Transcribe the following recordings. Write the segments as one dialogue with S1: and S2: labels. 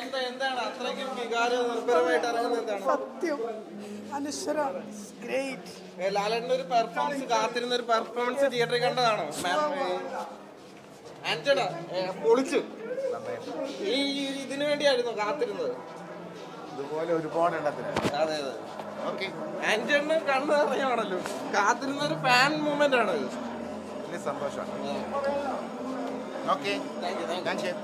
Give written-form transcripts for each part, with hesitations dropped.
S1: സത്യം അനശ്വര ഗ്രേറ്റ്.
S2: ലാലേട്ടൻ്റെ ഒരു പെർഫോമൻസ്, കാത്തിരുന്ന ഒരു പെർഫോമൻസ് തിയേറ്ററിൽ കണ്ടതാണോ? ആന്റണ പൊളിച്ചു. ഈ ഇതിനു വേണ്ടിയായിരുന്നു കാത്തിരുന്നത്.
S3: ഇതുപോലെ ഒരുപാട് എണ്ണത്തിന്.
S2: അതെ അതെ. ആന്റണ കണ്ണു നിറയാണല്ലോ. കാത്തിരുന്ന ഒരു ഫാൻ മൂവ്മെന്റ് ആണ്.
S3: വലിയ സന്തോഷമാണ്. Okay, thank you.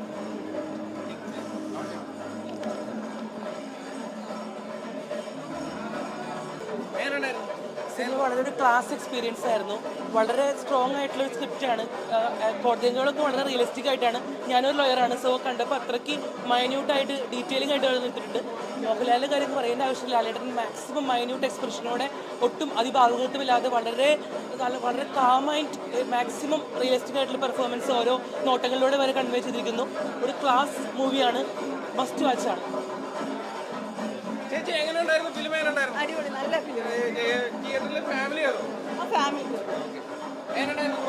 S4: സിനിമ വളരെ ഒരു ക്ലാസ് എക്സ്പീരിയൻസ് ആയിരുന്നു. വളരെ സ്ട്രോങ് ആയിട്ടുള്ള ഒരു സ്ക്രിപ്റ്റാണ്. കോടതികളൊക്കെ വളരെ റിയലിസ്റ്റിക് ആയിട്ടാണ്. ഞാനൊരു ലോയറാണ്, സോ കണ്ടപ്പോൾ അത്രയ്ക്ക് മൈന്യൂട്ടായിട്ട് ഡീറ്റെയിലിംഗ് ആയിട്ട് എഴുതിയിട്ടുണ്ട്. മോഹൻലാലിൻ്റെ കാര്യം പറയേണ്ട ആവശ്യമില്ല. ലാലേട്ടൻ മാക്സിമം മൈന്യൂട്ട് എക്സ്പ്രഷനോടെ ഒട്ടും അതിഭാവുകത്വമില്ലാതെ വളരെ കാമായിട്ട് മാക്സിമം റിയലിസ്റ്റിക് ആയിട്ടുള്ള പെർഫോമൻസ് ഓരോ നോട്ടങ്ങളിലൂടെ വരെ കൺവേ ചെയ്തിരിക്കുന്നു. ഒരു ക്ലാസ് മൂവിയാണ്, മസ്റ്റ് വാച്ചാണ്.
S2: ചേച്ചി എങ്ങനെയുണ്ടായിരുന്നു ഫിലിം? എങ്ങനെയുണ്ടായിരുന്നു?
S5: അടിപൊളി, നല്ല ഫിലിം.
S2: തിയേറ്ററിൽ ഫാമിലി ആയിരുന്നു.
S5: ഫാമിലി
S2: എങ്ങനെയുണ്ടായിരുന്നു?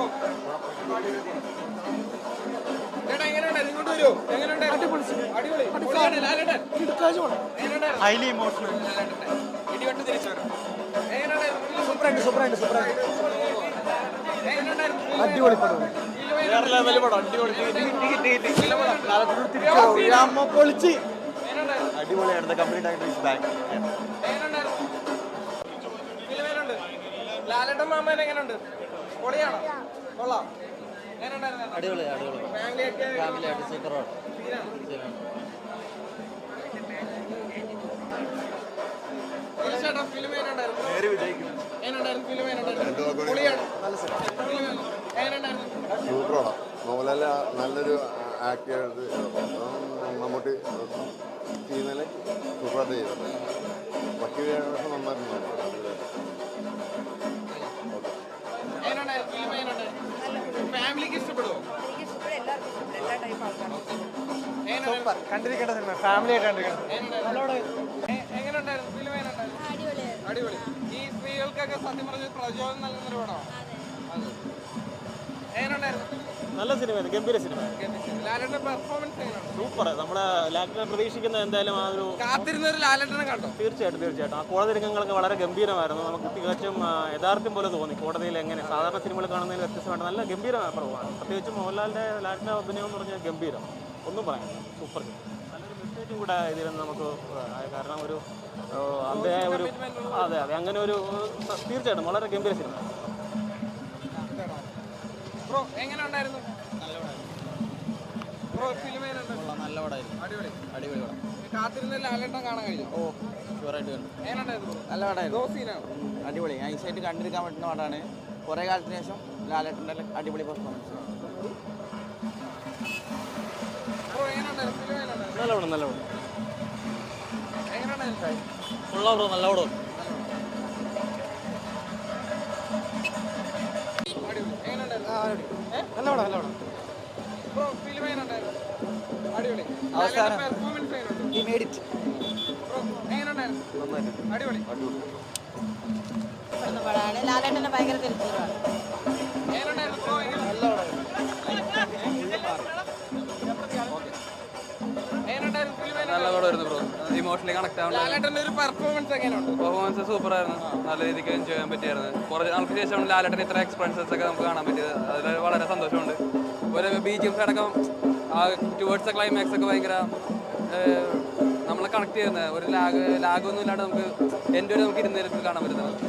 S2: ചേട്ടാ എങ്ങനെയുണ്ടായിരുന്നു? ഇങ്ങോട്ട് വരുമോ? എങ്ങനെയുണ്ടായിരുന്നു? അടിപൊളി. ലാലേട്ടൻ എങ്ങനെയുണ്ടായിരുന്നു?
S3: Highly emotional.
S2: ഇടിവെട്ട് തിരിച്ചു വരും. എങ്ങനെയുണ്ടായിരുന്നു?
S3: സൂപ്പറായിട്ട്.
S2: എങ്ങനെയുണ്ടായിരുന്നു?
S3: അടിപൊളി പടം.
S2: വേറെ ലെവൽ പടം. അടിപൊളി.
S3: പൊളിച്ച്. അടിപൊളിയാണ്. കംപ്ലീറ്റ് ആയിട്ട് ബാക്ക്.
S2: ലാലേട്ടൻ മാമൻ എങ്ങനെയുണ്ട്? പൊളിയാണോ? കൊള്ളാം.
S6: അടിപൊളി ഫാമിലി ആയിട്ട് സൂപ്പറാണ്.
S7: സൂപ്പറാണ്. മോഹൻലാല് നല്ലൊരു ആക്ടർ മമ്മൂട്ടി ചെയ്യുന്നതിൽ സൂപ്പറായിട്ട് ചെയ്തിട്ടുണ്ട്. ബാക്കി വേഷം നന്നായിട്ടുണ്ട്.
S2: ഫാമിലിക്ക് ഇഷ്ടപ്പെടുമോ?
S3: സൂപ്പർ. കണ്ടിരിക്കേണ്ട സിനിമ. ഫാമിലി ആയിട്ട് കണ്ടിരിക്കണം.
S2: എങ്ങനെയുണ്ടായിരുന്നു ഫിലിം? അടിപൊളി. ഈ സ്ത്രീകൾക്കൊക്കെ സത്യം പറഞ്ഞ പ്രചോദനം നൽകുന്നൊരു പടമാണ്. എങ്ങനെയുണ്ടായിരുന്നു?
S8: നല്ല സിനിമയാണ്, ഗംഭീര സിനിമ.
S2: ലാലേട്ടന്റെ പെർഫോമൻസ് എങ്ങനെയാണ്?
S8: സൂപ്പർ. നമ്മുടെ ലാലേട്ടനെ പ്രതീക്ഷിക്കുന്ന എന്തായാലും ആ ഒരു
S2: കാത്തിരുന്ന ഒരു ലാലേട്ടനെ കണ്ടോ?
S8: തീർച്ചയായിട്ടും ആ കോടതി രംഗങ്ങളൊക്കെ വളരെ ഗംഭീരമായിരുന്നു. നമുക്ക് തികച്ചും യഥാർത്ഥം പോലെ തോന്നി. കോടതിയിൽ എങ്ങനെ സാധാരണ സിനിമകൾ കാണുന്നതിൽ വ്യത്യസ്തമായിട്ട് നല്ല ഗംഭീരമായ പടമാണ്. പ്രത്യേകിച്ചും മോഹൻലാലിൻ്റെ ലാലേട്ടൻ്റെ അഭിനയം എന്ന് പറഞ്ഞാൽ ഗംഭീരം, ഒന്നും പറയാം. സൂപ്പർ. നല്ലൊരു മെസ്സേജും കൂടെ ഇതിൽ നമുക്ക്, കാരണം ഒരു അദ്ദേഹം ഒരു അതെ അങ്ങനെ ഒരു തീർച്ചയായിട്ടും വളരെ ഗംഭീര സിനിമ.
S2: ബ്രോ എങ്ങനെയുണ്ടായിരുന്നു? ബ്രോ ഫിലിം
S6: നല്ല പടമായിരുന്നു.
S2: അടിപൊളി പടം. കാത്തിരുന്ന ലാലേട്ടൻ കാണാൻ കഴിഞ്ഞു?
S6: ഓ ഷുവറായിട്ട് കണ്ടു.
S2: എങ്ങനെയുണ്ടായിരുന്നു?
S6: നല്ല പടമായിരുന്നു. അടിപൊളി. നൈസായിട്ട് കണ്ടിരിക്കാൻ പറ്റുന്ന പടമാണ്. കുറേ കാലത്തിന് ശേഷം ലാലേട്ടൻ്റെ അടിപൊളി പെർഫോമൻസ്.
S2: ബ്രോ എങ്ങനെയുണ്ടായിരുന്നു? ഫിലിം എങ്ങനെയുണ്ടായിരുന്നു?
S8: നല്ല പടം.
S2: എങ്ങനെയുണ്ടായിരുന്നു?
S8: കൊള്ളാം ബ്രോ, നല്ല പടം.
S3: നല്ല പടം.
S2: ബ്രോ ഫിലിം എങ്ങനെയുണ്ടായിരുന്നു? അടിപൊളി.
S6: അവസാനം
S2: പെർഫോമൻസ് എങ്ങനെയുണ്ട്?
S6: he made it.
S2: ബ്രോ എങ്ങനെയുണ്ടായിരുന്നു? അടിപൊളി.
S5: പടമാണ്. ലാലേട്ടൻ്റെ ഭയങ്കര തിരിച്ചുവരവാണ്.
S2: എങ്ങനെയുണ്ടായിരുന്നു ബ്രോ?
S9: നല്ല പടമായിരുന്നു ബ്രോ. ഇമോഷണലി കണക്ട് ആവാൻ.
S2: ലാലേട്ടൻ്റെ ഒരു പെർഫോമൻസ് എങ്ങനെയുണ്ട്?
S9: പെർഫോമൻസ് സൂപ്പറായിരുന്നു. നല്ല രീതിക്ക് എൻജോയ് ചെയ്യാൻ പറ്റിയായിരുന്നു. കുറച്ച് നാൾക്ക് ശേഷമാണ് ലാലേട്ടൻ ഇത്ര എക്സ്പീരിയൻസസ് ഒക്കെ നമുക്ക് കാണാൻ പറ്റിയത്. അതിൽ വളരെ സന്തോഷമുണ്ട്. ഒരു BGMs അടക്കം ആ ടുവേർഡ്സ് ക്ലൈമാക്സ് ഒക്കെ ഭയങ്കര നമ്മളെ കണക്ട് ചെയ്യുന്നത്. ഒരു ലാഗൊന്നും ഇല്ലാണ്ട് നമുക്ക് എൻ്റെ ഒരു നമുക്ക് ഇരുന്ന് കാണാൻ പറ്റുന്നത്.